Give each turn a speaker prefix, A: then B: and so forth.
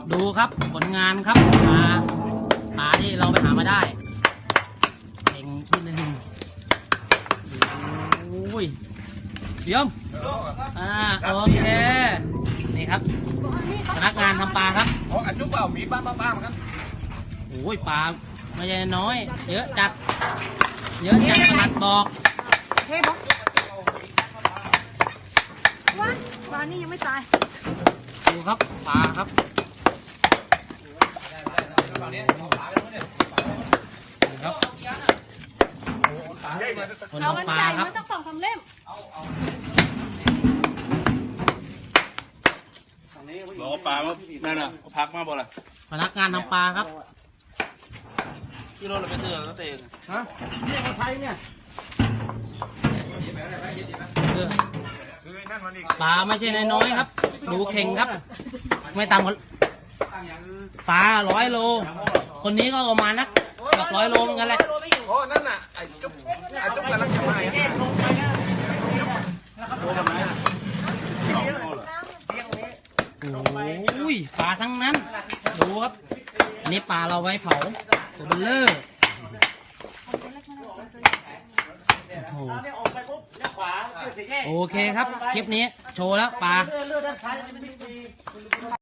A: ดูครับผลงานครับปลาที่เราไปหามาได้เองที่หนึ่งโอ้ยเยี่ยมโอเคนี่ครับพนักงานทำปลาครับ
B: อ๋ออันจุ๊บเปล่ามีป้าครับ
A: โอ้ยปลาไม่ใช่น้อยเยอะจัดขนาดบอก
C: เฮ้บอกว่าปลานี่ยังไม่ตาย
A: ดูครับปลาครับนี่ครับคน
C: เอา
A: ทำ
C: มัน
A: ปลา
C: ใหญ่
A: ครับ
C: มันต้อง2-3 เล่ม
B: รอปลานั่นน่ะพักมาบ่ล่ะ
A: พนักงานทำปลาครับ
B: ที่รถเราไปเตือนแล้วเอง
A: ฮะเนี่ยมาไทยเนี่ยปลาไม่ใช่น้อยๆครับดูเข่งครับไม่ต่ำกว่าปลา100 โลคนนี้ก็ประมาณนักกับ100 โลเหมือนกันแหละ
B: โอ้นั่นน่ะไอ้จุ๊บกำลังจะมา
A: โอ้ยปลาทั้งนั้นดูครับอันนี้ปลาเราไว้เผาตัวเบลเลอร์โอเคครับคลิปนี้โชว์แล้วปลา